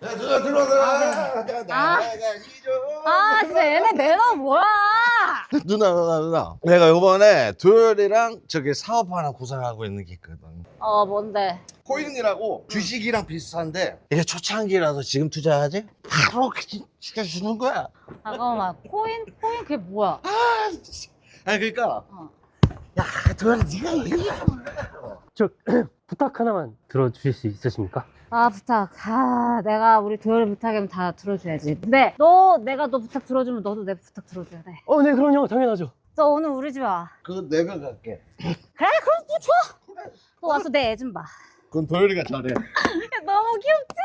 아, 진짜 얘네 매너 뭐야? 누나. 내가 요번에 도열이랑 저기 사업 하나 구상하고 있는 게 있거든. 뭔데? 코인이라고 주식이랑 비슷한데 이게 초창기라서 지금 투자하지? 바로 시켜주는 거야. 잠깐만, 코인 그게 뭐야? 아니 그러니까 야 도열아 네가 얘기해. 저 부탁 하나만 들어주실 수 있으십니까? 부탁. 내가 우리 도열이 부탁이면 다 들어줘야지. 근데 내가 너 부탁 들어주면 너도 내 부탁 들어줘야 돼. 네, 그럼요. 당연하죠. 너 오늘 우리 집 와. 그거 내가 갈게. 그래, 그럼 뭐 좋아. 너 와서 내 애 좀 봐. 그건 도열이가 잘해. 야, 너무 귀엽지?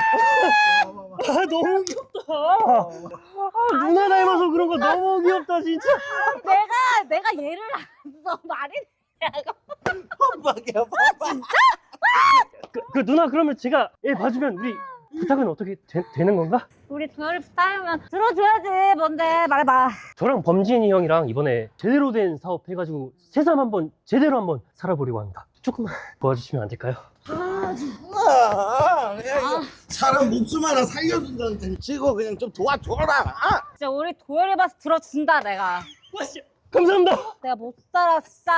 너무 귀엽다. 누나 닮아서 그런 거 너무 귀엽다, 진짜. 내가 얘를 안 써. 말이 되냐고. 뻔뻔이야 뻔뻔. 그 누나 그러면 제가 얘 봐주면 우리 부탁은 어떻게 되는 건가? 우리 도열이 부탁이면 들어줘야지. 뭔데? 말해봐. 저랑 범진이 형이랑 이번에 제대로 된 사업 해가지고 새삼 한번 제대로 한번 살아보려고 합니다. 조금만 도와주시면 안 될까요? 그냥 이거 사람 목숨 하나 살려준다는 데 치고 그냥 좀 도와줘라. 진짜 우리 도열이 봐서 들어준다, 내가. 감사합니다. 내가 못 살았어.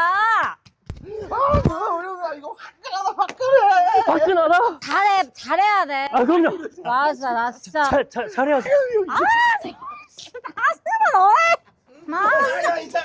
도열아 이거 화끈하다. 화끈하다. 잘해야 돼. 그럼요. 맞아, 나 진짜. 잘해야죠. 진짜 다 쓰면 너해. 야 이제